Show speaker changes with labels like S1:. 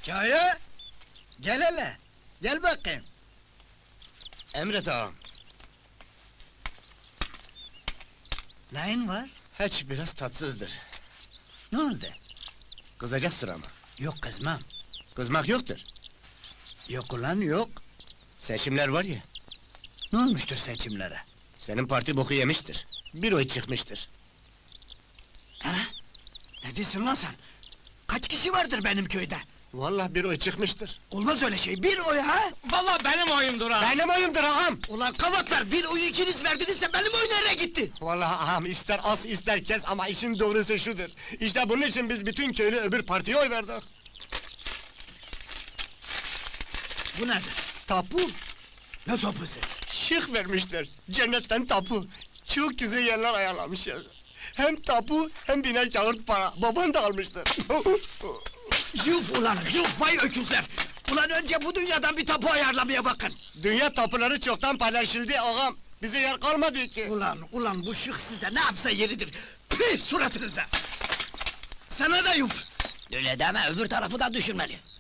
S1: Kaya! Gel hele! Gel bakayım!
S2: Emret ağam.
S1: Neyin var?
S2: Hiç biraz tatsızdır.
S1: Ne oldu?
S2: Kızacaksın ama.
S1: Yok kızmam.
S2: Kızmak yoktur.
S1: Yok ulan yok.
S2: Seçimler var ya,
S1: Ne olmuştur seçimlere?
S2: senin parti boku yemiştir. Bir oy çıkmıştır.
S1: Ha? Ne diyorsun lan sen? Kaç kişi vardır benim köyde?
S2: Vallahi bir oy çıkmıştır.
S1: Olmaz öyle şey, bir oy ha!
S3: Vallahi benim oyumdur ha!
S2: Benim oyumdur ağam!
S1: Ulan kavatlar, bir oyu ikiniz verdinizse benim oy nereye gitti?
S2: Vallahi ağam, ister as ister kes ama işin doğrusu şudur. İşte bunun için biz bütün köylü öbür partiye oy verdik.
S1: Bu nedir?
S2: Tapu,
S1: Ne topusu?
S2: şık vermişler. Cennetten tapu. Çok güzel yerler ayarlamışlar. Hem tapu hem biner kağıt para. Baban da almıştır.
S1: Yuf ulan, yuf vay öküzler! Ulan önce bu dünyadan bir tapu ayarlamaya bakın!
S2: Dünya tapuları çoktan paylaşıldı ağam. Bize yer kalmadı ki.
S1: Ulan bu şık size ne yapsa yeridir! Püh suratınıza! Sana da yuf!
S3: Öyle deme, öbür tarafı da düşünmeli.